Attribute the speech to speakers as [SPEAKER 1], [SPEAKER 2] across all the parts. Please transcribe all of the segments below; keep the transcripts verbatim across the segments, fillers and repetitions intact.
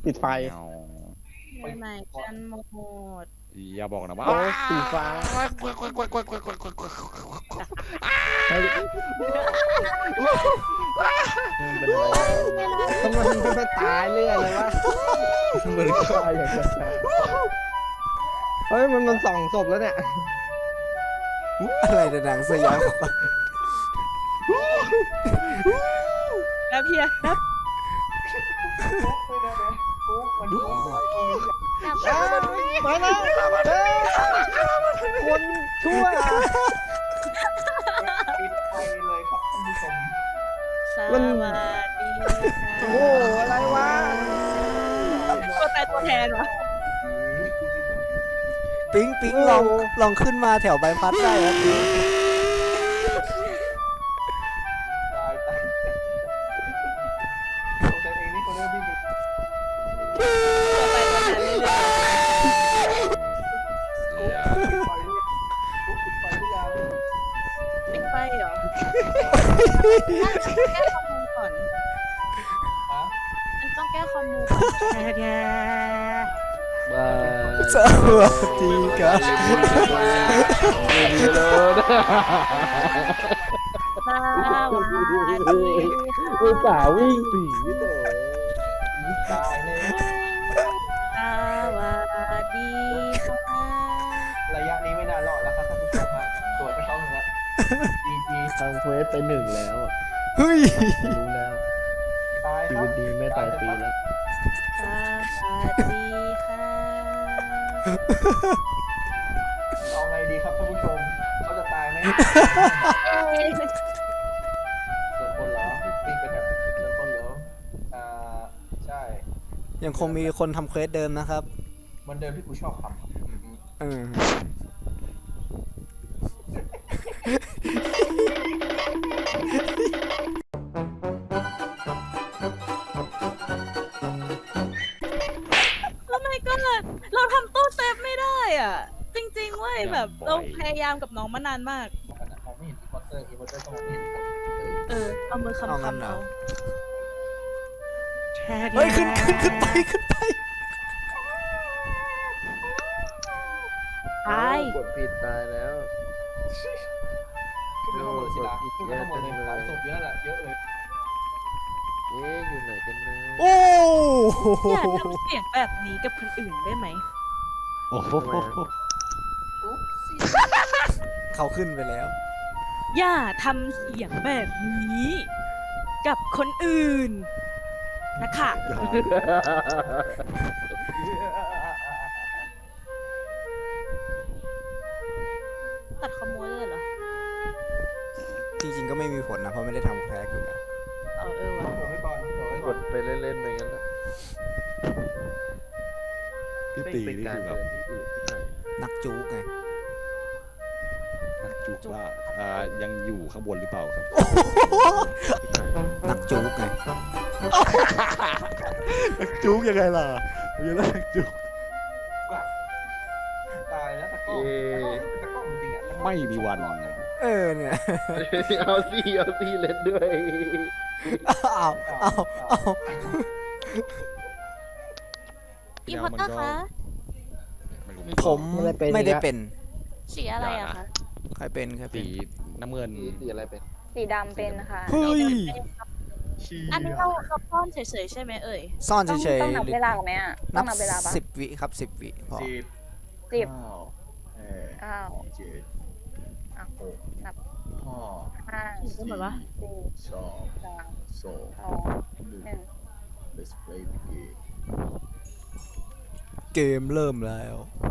[SPEAKER 1] ปิดไฟ
[SPEAKER 2] ไปไหนกันหมด
[SPEAKER 3] อย่าบอกนะว่า
[SPEAKER 1] โอ้สีฟ้าทำไมมันไม่ตายเรื่อยเลยวะเหมือนตายอย่างเงี้ยเฮ้ยมันมันสองศพแล้วเนี่ย
[SPEAKER 4] อะไรดังสยอง
[SPEAKER 2] แล้วพี่อะครับ
[SPEAKER 1] มาแล้วคนชั่ว
[SPEAKER 5] ปิดไฟเลยครับท่านผู้ชม
[SPEAKER 2] สวัสดี
[SPEAKER 1] โอ้อะไรวะ
[SPEAKER 2] ตัวตายตัวแทนวะ
[SPEAKER 4] ปิ๊งปิ๊งลองลองขึ้นมาแถวใบพัดได้ครับปิ๊ง
[SPEAKER 5] ตายตายสงสัยเองนี่คนเริ่มวิ่งกัน
[SPEAKER 2] ตัวตายตัวแทนเลย
[SPEAKER 5] ปิดไฟหรือยังปิดไฟหรือยัง
[SPEAKER 2] ปิดไฟเหรอแก้คอมมูก่อน
[SPEAKER 5] ฮะ
[SPEAKER 2] มันต้องแก้คอมมูก่อนแก
[SPEAKER 4] สวัสดีครับ
[SPEAKER 2] สวัสดี
[SPEAKER 1] อุตส่าห์วิ่งหนีเลย
[SPEAKER 5] ตายเลย
[SPEAKER 2] สวัสดีค่ะ
[SPEAKER 5] ระยะนี้ไม่น่ารอดแล้วครับท่านผู้ชมครับตรวจไปเขาหนึ่งแล้วจีจี
[SPEAKER 1] ทำเควสไปหนึ่งแล้วอ่ะ
[SPEAKER 4] เฮ้ย
[SPEAKER 1] รู้แล้ว
[SPEAKER 5] ตาย
[SPEAKER 1] ชี
[SPEAKER 5] ครั
[SPEAKER 1] วิ
[SPEAKER 5] บ
[SPEAKER 1] ตดีไม่ตายฟรีแล้ว
[SPEAKER 2] สวัสดีค่ะ
[SPEAKER 5] เอาไงดีครับท่านผู้ชมเขาจะตายไหมส่วนคนเหรอวิ่งไปแบบส่วนคนเหรออ่าใช่
[SPEAKER 4] ยังคงมีคนทำเควสเดิมนะครับ
[SPEAKER 5] มันเดิมที่กูชอบทำครับ
[SPEAKER 4] เอ
[SPEAKER 5] อืม
[SPEAKER 4] อ
[SPEAKER 2] แล้วไม่ก็เราทำตู้เซฟไม่ได้อ่ะ จริงๆเว้ยแบบเราพยายามกับน้องมานานมาก
[SPEAKER 5] ขนาดมองไม่เห็นอีพอตเตอร์อีพอตเตอร์ต้องมองไม่เห็นคน
[SPEAKER 2] เออเอามือคำคำเอา
[SPEAKER 4] เฮ้ยขึ้นขึ้นขึ้นไปขึ้นไป
[SPEAKER 2] ตาย
[SPEAKER 1] กดผิดตายแล้ว
[SPEAKER 5] ขึ้นไปข้างบนสิละขึ้นไปข้างบนเลยหลายศพเยอะแหละเยอะเลย
[SPEAKER 1] เอ๊ะอยู่ไหนกันนะ
[SPEAKER 4] โอ้
[SPEAKER 2] อย่าทำเสียงแบบนี้กับคนอื่นได้ไหม
[SPEAKER 3] โอ้โห
[SPEAKER 5] อุ๊บซี่
[SPEAKER 4] เขาขึ้นไปแล้ว
[SPEAKER 2] อย่าทำเสียงแบบนี้ กับคนอื่นนะคะตัดขโมยเลยเหรอ
[SPEAKER 4] จริงๆก็ไม่มีผลนะเพราะไม่ได้ทำแพ้อยู่แล้ว
[SPEAKER 2] เออเออวะ
[SPEAKER 5] โดดไว้ก่อนโดดไว้
[SPEAKER 1] ก
[SPEAKER 5] ก่อน
[SPEAKER 1] ดไปเล่นๆไปงั้นแหละ
[SPEAKER 3] พี่ตีนี่คือแบบ
[SPEAKER 1] ที่อื่นที่ไหน
[SPEAKER 4] นักจู๊กไง
[SPEAKER 3] นักจุกว่าอ่ายังอยู่ข้างบนหรือเปล่าครับ
[SPEAKER 4] นักจู๊กไง
[SPEAKER 3] นักจุกยังไงล่ะยังไงล่ะนักจุก
[SPEAKER 5] ตายแล้วตะก้อตะก้อจริงๆอ่ะ
[SPEAKER 3] ไม่มีวัน
[SPEAKER 4] เออเนี่ย
[SPEAKER 1] เอาสิเอาสิเล่นด้วย
[SPEAKER 4] เอาเอาเอา
[SPEAKER 2] อีพอตเตอร์คะ
[SPEAKER 3] ไม่รู้
[SPEAKER 4] ผมไม่ได้เป็น
[SPEAKER 2] สีอะไรอะคะ
[SPEAKER 4] ใครเป็นใครเป็
[SPEAKER 3] สี
[SPEAKER 4] น
[SPEAKER 3] น้ำเงิน
[SPEAKER 1] สีอะไรเป็น
[SPEAKER 6] สีดำเป็นนะคะ
[SPEAKER 4] เฮ้ย
[SPEAKER 2] อันนี้เราเราป้อนเฉยๆใช่ไหมเอ่ย
[SPEAKER 4] ซ่อน
[SPEAKER 6] ต้อง
[SPEAKER 4] เฉย
[SPEAKER 6] ต้องนับเวลาไหมอ่ะ
[SPEAKER 4] ๆ
[SPEAKER 6] ต้
[SPEAKER 4] นั
[SPEAKER 6] อบ งนับเวลาปะ
[SPEAKER 4] สิบวิครับสิบวิพอ
[SPEAKER 5] สิบ
[SPEAKER 6] สิบ
[SPEAKER 5] เก้าแปด
[SPEAKER 6] เก้า
[SPEAKER 5] เจ็ด
[SPEAKER 6] อ่ะ
[SPEAKER 5] หก
[SPEAKER 6] นับ
[SPEAKER 5] ห้า
[SPEAKER 6] ห้า
[SPEAKER 2] ก็เหมือนว่า
[SPEAKER 6] สี่
[SPEAKER 5] สอง
[SPEAKER 6] สาม
[SPEAKER 5] สอง
[SPEAKER 6] สอง
[SPEAKER 5] หนึ่ง
[SPEAKER 6] หนึ่ง
[SPEAKER 5] Let's play the game
[SPEAKER 4] เกมเริ่มแล้ว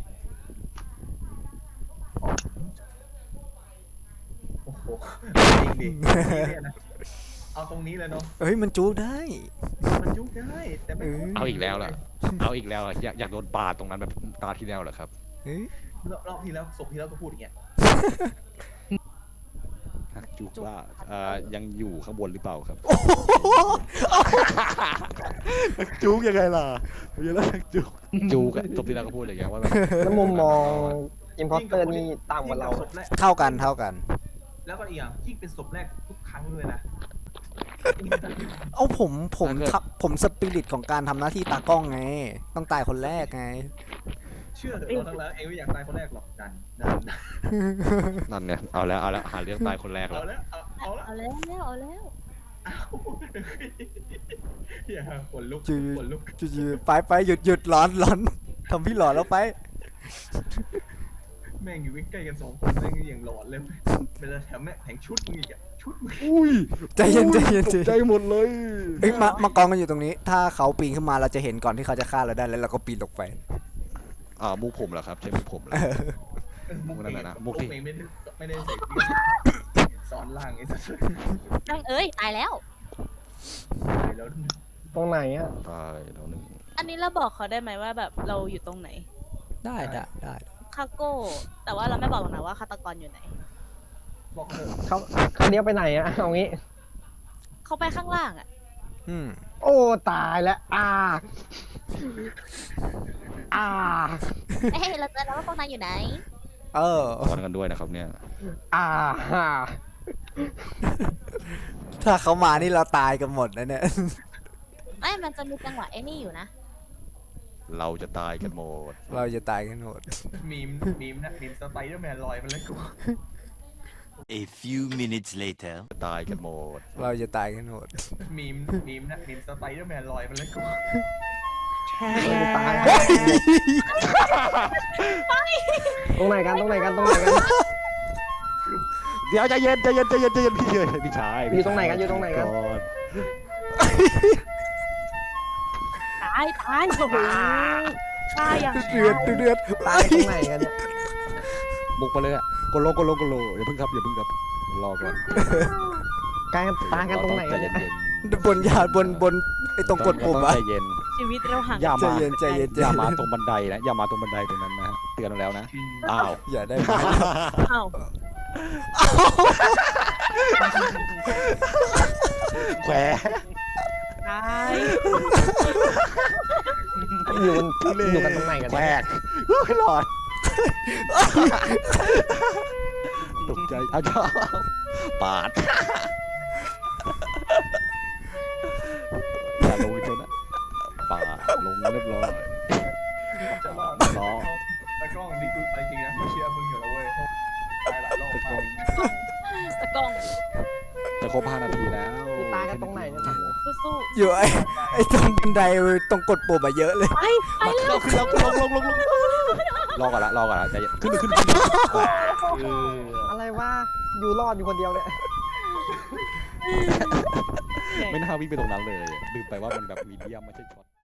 [SPEAKER 5] โอ้โหจริงดิเนี่ยนะเอาตรงนี้เลยเนาะ
[SPEAKER 4] เฮ้ยมันจู๊กได้
[SPEAKER 5] มันยุบได้แต่ไม่
[SPEAKER 3] เอาอีกแล้วล่ะเอาอีกแล้วอะอยากอยากโดนปาดตรงนั้นแบบตาที่แล้วเหรอครับ
[SPEAKER 4] เฮ้ย
[SPEAKER 5] รอบรอบที่แล้วศพที่แล้วก็พูดอย่างเงี้ย
[SPEAKER 3] นักจุกว่าอ่ายังอยู่ข้างบนหรือเปล่าครับนักจุกยังไงล่ะยังไงล่ะนักจุกจุกอะจบที่แล้วก็พูดอย่างเงี้ยว่าแบบ
[SPEAKER 1] แล้วมุมมองอิมพอสเตอร์นี่ต่ำกว่าเรา
[SPEAKER 5] ศพแรก
[SPEAKER 4] เท่ากันเท่ากัน
[SPEAKER 5] แล้วก็อีกอย่างยิ่งเป็นศพแรกทุกครั้งเลยนะ
[SPEAKER 4] เอาผมผม
[SPEAKER 3] ถ้าเกิด
[SPEAKER 4] ทับผมสปิริตของการทำหน้าที่ตากล้องไง ต้องตายคนแรกไง
[SPEAKER 5] เชื่อเถอะเราทั้งแล้วเองไม่อยากตายคนแรกหรอกดันดันดัน
[SPEAKER 3] นั่นเนี่ยเอาแล้วเอาแล้วหาเรื่องตายคนแรก
[SPEAKER 5] เอา
[SPEAKER 3] แล้ว
[SPEAKER 5] แล้วเอาเอาแล้ว
[SPEAKER 2] เอาแล้วเอาแล้ว
[SPEAKER 5] เอาอย่าขนลุก
[SPEAKER 4] จืด
[SPEAKER 5] ขนลุก
[SPEAKER 4] จืดไปไปหยุดหยุดร้อนร้อนทำพี่หลอนแล้วไป
[SPEAKER 5] แม่งอยู่ใกล้ๆกันสองคนแม่งยังหลอนเลยเป็นแถมแม่งแถงชุดมึงอีกอะชุดมึง
[SPEAKER 3] อุ้ย
[SPEAKER 4] ใจเย็นใจเย็น
[SPEAKER 3] ต
[SPEAKER 4] ใจ
[SPEAKER 3] กใจ
[SPEAKER 4] เย็น
[SPEAKER 3] หมดเลย
[SPEAKER 4] เอ้ยมามากองกันอยู่ตรงนี้ ถ้าเขาปีนขึ้นมาเราจะเห็นก่อนที่เขาจะฆ่าเราได้แล้วเราก็ปีนลงไป
[SPEAKER 3] อ่ามุกผมเหรอครับใช่มุกผมเหรอ มุกนั่นน่ะนะมุ
[SPEAKER 5] มุ
[SPEAKER 3] ก
[SPEAKER 5] ก
[SPEAKER 3] ที่
[SPEAKER 5] เองไม่ได้ไม่ได้ใส่สอนล่างไอ้สัส
[SPEAKER 2] นั่งเอ้ย ตายแล้ว
[SPEAKER 5] แล้ว
[SPEAKER 1] ตรงไหนอ่ะ
[SPEAKER 3] ตายแล้วหนึ่ง
[SPEAKER 2] อันนี้เราบอกเขาได้ไหมว่าแบบเราอยู่ตรงไหน
[SPEAKER 4] ได้ได้ได้
[SPEAKER 2] คาโก้ แต่ว่าเราไม่บอกหรอกนะว่าฆาตกรอยู่ไหน
[SPEAKER 5] บอกเถอะ
[SPEAKER 1] เขาเขาเลี้ยวไปไหนอ่ะเอางี้
[SPEAKER 2] เขาไปข้างล่างอ่ะ
[SPEAKER 4] อืม
[SPEAKER 1] โอ้ตายแล้วอ่าอ่า
[SPEAKER 2] เอ้ยเราเจอแล้วว่าพวกนายอยู่ไหน
[SPEAKER 4] เออ
[SPEAKER 3] สอนกันด้วยนะครับเนี่ย
[SPEAKER 1] อ่าฮ่า
[SPEAKER 4] ถ้าเขามานี่เราตายกันหมดนะเนี่ย
[SPEAKER 2] ไม่มันจะมีจังหวะไอ้นี่อยู่นะ
[SPEAKER 3] เราจะตายกันหมด
[SPEAKER 4] เราจะตายกันหมด
[SPEAKER 5] มีมมีมนะมีมสไปเดอร์แมนลอยมาแล้วกู
[SPEAKER 7] A few minutes later.
[SPEAKER 3] จะตายกันหมด
[SPEAKER 4] เราจะตายกันหมด
[SPEAKER 5] มีมมีมนะมีมสไปเดอร์แมนลอยมาแล้วกู
[SPEAKER 1] เราจะตายตรงไหนกันตรงไหนกันตรงไหนกัน
[SPEAKER 3] เดี๋ยวใจเย็นใจเย็นใจเย็นใจเย็นพี่เฉยพี่ชาย
[SPEAKER 1] อยู่ตรงไหนกันอยู่ตรงไหนกัน
[SPEAKER 3] ก่อน
[SPEAKER 2] ตายตายโอ้โหฆ่าอย่าง
[SPEAKER 4] เดือดเดือด
[SPEAKER 1] ตายตรงไหนกันเนี่ย
[SPEAKER 3] บุกไปเลยอ่ะกดโลกดโลกดโลอย่าเพิ่งครับอย่าเพิ่งครับรอก่อน
[SPEAKER 1] กายกันตายกันตรงไหน
[SPEAKER 3] ใจ
[SPEAKER 1] กัน
[SPEAKER 3] เย็
[SPEAKER 1] เนี่ย
[SPEAKER 3] น
[SPEAKER 4] บนยาบนบนไอ้ตรงกดปุ่ม
[SPEAKER 3] ๆ
[SPEAKER 4] อะ
[SPEAKER 3] ใจเย็น
[SPEAKER 2] ชีวิตเราห่าง
[SPEAKER 3] อย่า
[SPEAKER 4] ใจ
[SPEAKER 3] มา
[SPEAKER 4] เย็นใจเย็นใจ
[SPEAKER 3] อย่า
[SPEAKER 4] เย็น
[SPEAKER 3] มาตรงบันไดนะอย่ามาตรงบันไดตรงนั้นนะฮะเตือนเราแล้วนะอ้าว
[SPEAKER 4] อย่าได้ไหม
[SPEAKER 2] เอ้า
[SPEAKER 3] แขว
[SPEAKER 2] ตาย
[SPEAKER 1] อยู่กันอยู่กันตรงไหนกัน
[SPEAKER 3] แขว
[SPEAKER 1] เนี่ย
[SPEAKER 3] กไม่หลอดตกใจอ้าวจ้าปาดอย่าลงจนนะปาดลงเรียบร้อย
[SPEAKER 5] จะรอด
[SPEAKER 3] รอ
[SPEAKER 5] ตากล้องนี่กูไปจริงนะกูเชียร์มึงอยู่แล้วเว้ยตายหลายรอบมาก
[SPEAKER 2] ตะกล้อง
[SPEAKER 3] จะครบห้านาทีแล้ว
[SPEAKER 1] คือตายกันตรงไหนเนี่ย
[SPEAKER 2] สู้
[SPEAKER 4] อยู่ไอ้ไอ้ตรงบันไดตรงกดปุ่มอะเยอะเลย
[SPEAKER 2] ๆไปไปเร็ว
[SPEAKER 3] ขึ้นแล้วขึ้นแล้วลงลงลงลงรอก่อนละรอก่อนละใจเย็นขึ้นขึ้นขึ้นเออ
[SPEAKER 1] อะไรวะอยู่รอดอยู่คนเดียวเนี่ย
[SPEAKER 3] ไม่น่าวิ่งไปตรงนั้นเลยลืมไปว่ามันแบบมีเดียมไม่ใช่ช็อต